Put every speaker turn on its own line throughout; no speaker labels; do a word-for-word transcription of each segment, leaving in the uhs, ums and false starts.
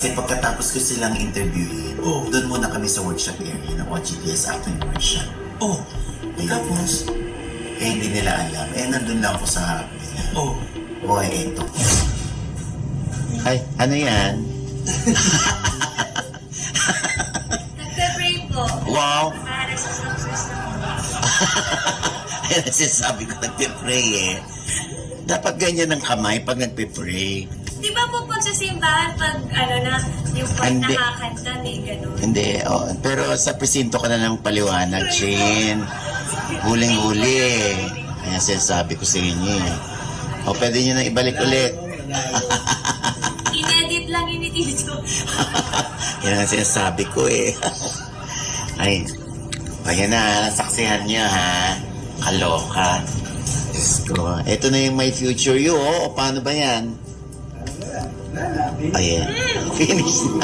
Kasi pagkatapos ko silang interviewin,
Oh.
doon muna kami sa workshop area ng O G T S Acting Workshop.
Oh,
Ayun.
tapos?
Eh, hindi nila alam. Eh, nandun lang ako sa harap nila.
Oh.
Boy, eto. Ay, ano yan?
Nagpe-pray po.
Wow!
Para sa success ng mga.
Ayun, sinasabi ko nagpe-pray eh. Dapat ganyan ang kamay pag nagpe-pray.
Di ba po pag sa simbahan, pag ano na, yung pag
Hindi.
nakakanta, may ganun.
Hindi, oh. Pero sa presinto ka na ng paliwanag, Chin. Huling-huli. Kaya sinasabi ko sa inyo eh. O, pwede nyo na ibalik ulit.
Inedit lang yun ni Tito.
Yan ang sinasabi ko eh. Ay, ayan na, nasaksihan nyo ha. Kaloka. Diyos ko. Ito na yung my future you, oh. O, paano ba yan? Ayan. Finish na.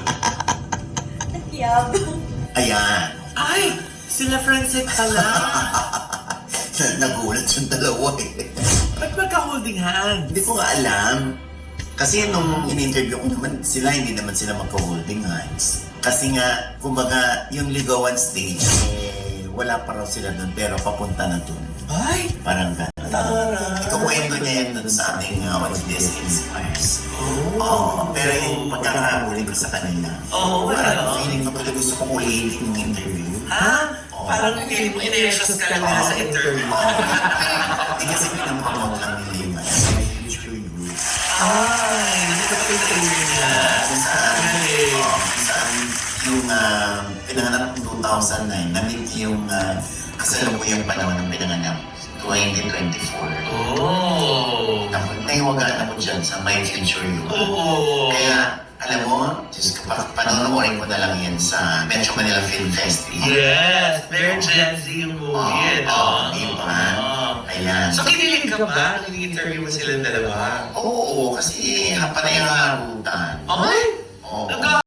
Yab.
Ayan.
Ay, sila Francet pala.
Nagulat yung dalawa eh.
Ba't magka-holding hand?
Hindi ko nga alam. Kasi nung in-interview ko naman sila, hindi naman sila magka-holding hands. Kasi nga, kumbaga, yung ligawan stage, eh, wala pa raw sila doon, pero papunta na doon.
Ay,
Parang gano'n.
Tara.
Ikukwento niya yan doon sa ating uh, What This Inspires. Oo, pero yung pagkakahuli ko sa kanila,
Oo,
parang
ano?
feeling ko pala gusto kong ulitin yung interview.
ha? Parang feeling mo in-exhaust ka lang nila sa interview.
Hindi kasi pinamukha lang nila yung ano, my future you.
Ay, hindi ka pa interview nila.
Kung saan, oo, kung saan yung uh, pinanganak ng two thousand nine, na-meet yung uh, kasalukuyang panahon ng pinanganak, twenty twenty-four.
Oh.
Naiwagaan ako dyan sa My Future You.
Oh.
Kaya, alam mo, Diyos ko, pa- panonoorin ko na lang yan sa Metro Manila Film Festival.
Yes, very Gen Z yung
Oo,
movie.
oo, di ba? Ayan.
So, kinilig ka ba? Nag-interview mo silang dalawa?
Oo, kasi panay ang harutan.
Ay!
Oo.
Nag-